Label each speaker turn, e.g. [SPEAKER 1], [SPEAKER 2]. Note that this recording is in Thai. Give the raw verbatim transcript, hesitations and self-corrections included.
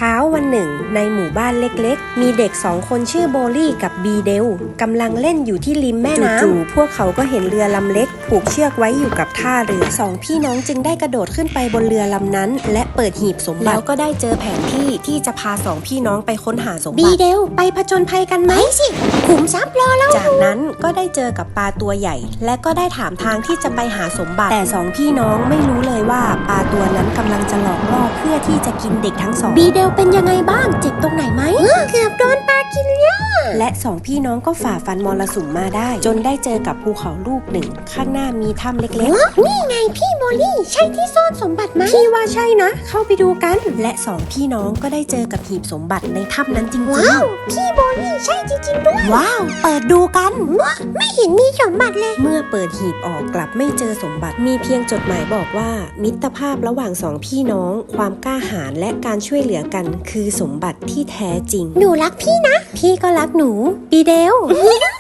[SPEAKER 1] ช้าวันหนึ่งในหมู่บ้านเล็กๆมีเด็กสองคนชื่อโบลี่กับบีเดลกำลังเล่นอยู่ที่ริมแม่น้ำจู่ๆพวกเขาก็เห็นเรือลำเล็กผูกเชือกไว้อยู่กับท่าเรือสองพี่น้องจึงได้กระโดดขึ้นไปบนเรือลำนั้นและเปิดหีบสมบัติแล้วก็ได้เจอแผนที่ที่จะพาสองพี่น้องไปค้นหาสมบัติบีเดลไปผจญภัยกันไหมสิขุมทรัพย์รอแล้วจากนั้นก็ได้เจอกับปลาตัวใหญ่และก็ได้ถามทางที่จะไปหาสมบัติแต่สองพี่น้องไม่รู้เลยว่าปลาตัวนั้นกำลังจะหลอกล่อเพื่อที่จะกินเด็กทั้งสองบีเดลเป็นยังไงบ้างเจ็บตรงไหนไหมเกือบโดนปลากินแล้วและสองพี่น้องก็ฝ่าฟันมรสุมมาได้จนได้เจอกับภูเขาลูกหนึ่งข้างหน้ามีถ้ำเล็กๆนี่ไงพี่โบลี่ใช่ที่ซ่อนสมบัติไหมพี่ว่าใช่นะเข้าไปดูกันและสองพี่น้องก็ได้เจอกับหีบสมบัติในถ้ำนั้นจริงๆว้าวพี่โบลี่ใช่จริงๆด้วยว้าวเปิดดูกันไม่เห็นมีสมบัติเลยเมื่อเปิดหีบออกกลับไม่เจอสมบัติมีเพียงจดหมายบอกว่ามิตรภาพระหว่างสองพี่น้องความกล้าหาญและการช่วยเหลือกันคือสมบัติที่แท้จริงหนูรักพี่นะพี่ก็รักหนูบีเดล